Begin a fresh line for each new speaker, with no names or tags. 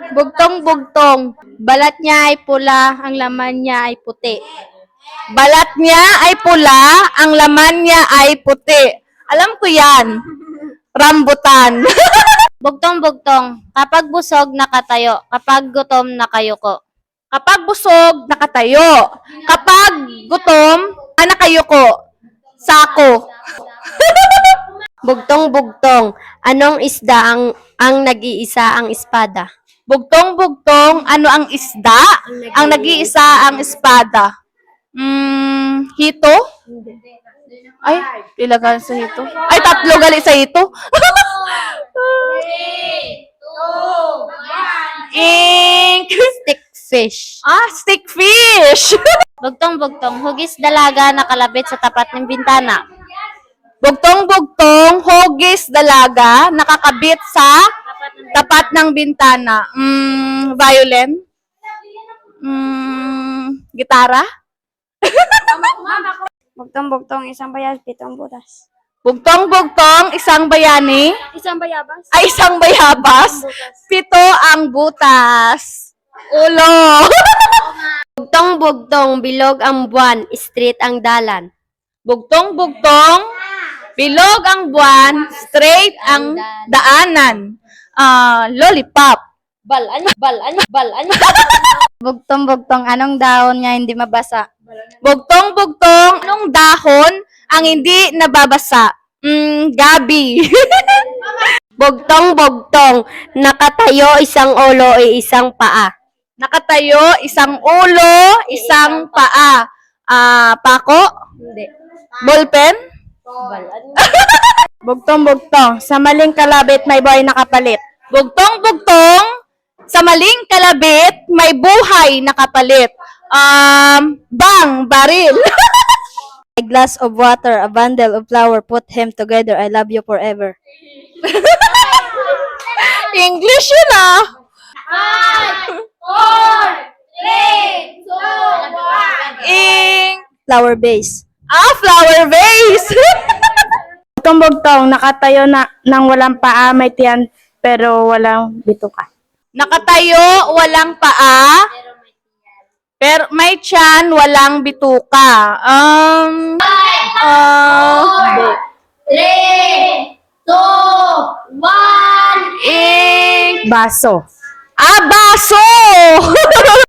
Bugtong-bugtong. Balat niya ay pula, ang laman niya ay puti.
Balat niya ay pula, ang laman niya ay puti. Alam ko yan. Rambutan.
Bugtong-bugtong. Kapag busog, nakatayo. Kapag gutom, nakayuko.
Kapag busog, nakatayo. Kapag gutom, nakayuko. Sako.
Bugtong-bugtong. Anong isda ang nag-iisa ang espada?
Bugtong-bugtong, ano ang isda? Ang nag-iisa ang espada. Hito? Ay, ilagan sa hito. Ay, tatlo gali sa hito. Ink.
Stickfish.
Stickfish.
Bugtong-bugtong. Hugis dalaga nakalapit sa tapat ng bintana.
Bugtong-bugtong, hogis dalaga, nakakabit sa tapat ng bintana. Violin? Gitara?
Bugtong-bugtong. Isang bayas, pitong butas.
Bugtong-bugtong, isang bayani.
Isang bayabas.
Ay, isang bayabas. Pito ang butas. Ulo.
Bugtong-bugtong. Bilog ang buwan, straight ang dalan.
Bugtong-bugtong, bilog ang buwan, straight ang daanan. Lollipop.
Balan. Bugtong-bugtong. Anong dahon niya hindi mabasa?
Bugtong-bugtong, anong dahon ang hindi nababasa? Gabi.
Bugtong-bugtong. Nakatayo, isang ulo, isang paa.
Nakatayo, isang ulo, isang paa. Pako?
Hindi.
Ballpen?
Balan.
Bugtong-bugtong, sa maling kalabit may buhay nakapalit. Bugtong-bugtong, sa maling kalabit may buhay nakapalit. Baril.
A glass of water, a bundle of flour, put him together, I love you forever.
English yun ah.
Flower base.
Flower vase.
Bugtong-bugtong, nakatayo na nang walang paa, may tiyan pero walang bituka.
Nakatayo, walang paa, pero may tiyan, walang bituka.
Baso.
Baso!